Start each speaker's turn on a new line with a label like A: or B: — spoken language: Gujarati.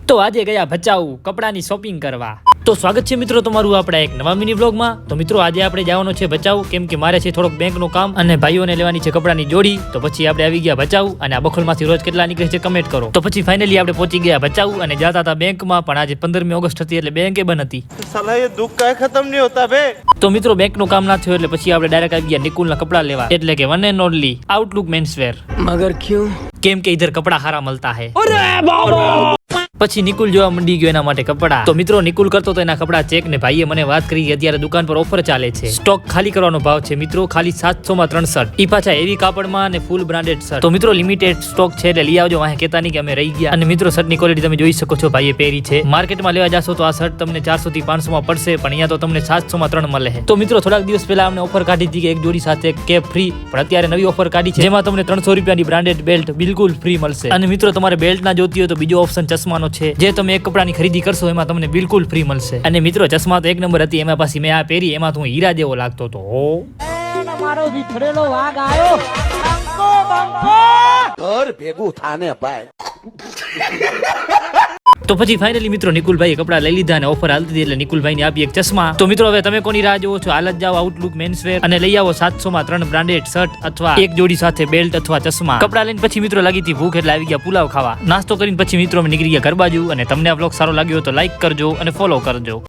A: તો આજે ગયા ભચાઉ કપડાની શોપિંગ કરવા। તો સ્વાગત છે મિત્રો તમારું આપણા એક નવા મિની વ્લોગમાં। તો મિત્રો આજે આપણે જવાનું છે ભચાઉ, કેમ કે મારે છે થોડોક બેંકનું કામ અને ભાઈઓને લેવાની છે કપડાની જોડી। તો પછી આપણે આવી ગયા ભચાઉ અને આ બખોલમાંથી રોજ કેટલા નીકળે છે કમેન્ટ કરો। તો પછી ફાઇનલી આપણે પહોંચી ગયા ભચાઉ અને જતા હતા બેંકમાં, પણ આજે 15મી ઓગસ્ટ હતી એટલે બેંકે બંધ હતી।
B: साला ये दुख का खत्म नहीं होता बे।
A: તો મિત્રો બેંકનું કામ ના થયું એટલે પછી આપણે ડાયરેક્ટ આવી ગયા નિકુલના કપડા લેવા, એટલે કે one and only Outlook menswear.
C: मगर क्यों?
A: કેમ કે ઇધર કપડા હારા મળતા હે। પછી નિકુલ જોવા મંડી ગયો એના માટે કપડા। તો મિત્રો નિકુલ કરતો તો એના કપડા ચેક ને ભાઈએ મને વાત કરી કે અત્યારે દુકાન પર ઓફર ચાલે છે, સ્ટોક ખાલી કરવાનો ભાવ છે મિત્રો, ખાલી 700 માં 3 શર્ટ, ઈ પાછા હેવી કાપડમાં અને ફૂલ બ્રાન્ડેડ શર્ટ। તો મિત્રો લિમિટેડ સ્ટોક છે એટલે લઈ આવજો, વાહે કહેતા નહીં કે અમે રહી ગયા। અને મિત્રો શર્ટની ક્વોલિટી તમે જોઈ શકો છો, ભાઈએ પહેરી છે। માર્કેટમાં લેવા જાશો તો આ શર્ટ તમને 400 થી 500 માં પડશે, પણ અહીંયા તો તમને 700 માં 3 મળે છે। તો મિત્રો થોડાક દિવસ પહેલા અમને ઓફર કાઢી હતી કે એક જોડી સાથે કેપ ફ્રી, પણ અત્યારે નવી ઓફર કાઢી છે જેમાં તમને 300 રૂપિયાની બ્રાન્ડેડ બેલ્ટ બિલકુલ ફ્રી મળશે। અને મિત્રો તમારે બેલ્ટ ના જોતી હોય તો બીજો ઓપ્શન ચશ્માનો છે, જે તમે એક કપડાની ખરીદી કરશો એમાં તમને બિલકુલ ફ્રી મળશે। અને મિત્રો ચશ્મા તો એક નંબર હતી, એમાં પાછી મેં આ પહેરી એમાં તો હું હીરા જેવો લાગતો હતો।
C: मारो विथड़ेलो वाग आयो बंको बंको घर भेगू थाने भाई।
A: તો પછી ફાઇનલી મિત્રો નિકુલભાઈએ કપડા લઈ લીધા અને ઓફર હાલતી હતી એટલે નિકુલભાઈને આપી એક ચશ્મા। તો મિત્રો હવે તમે કોની રાહ જોવો છો? હાલ જ જાઓ આઉટલુક મેન્સવેર અને લઈ આવો 700 માં 3 બ્રાન્ડેડ શર્ટ અથવા એક જોડી સાથે બેલ્ટ અથવા ચશ્મા। કપડા લઈને પછી મિત્રો લાગી હતી ભૂખ એટલે આવી ગયા પુલાવ ખાવા। નાસ્તો કરીને પછી મિત્રો અમે નીકળી ગયા ઘર બાજુ। અને તમને આ વ્લોગ સારો લાગ્યો તો લાઈક કરજો અને ફોલો કરજો।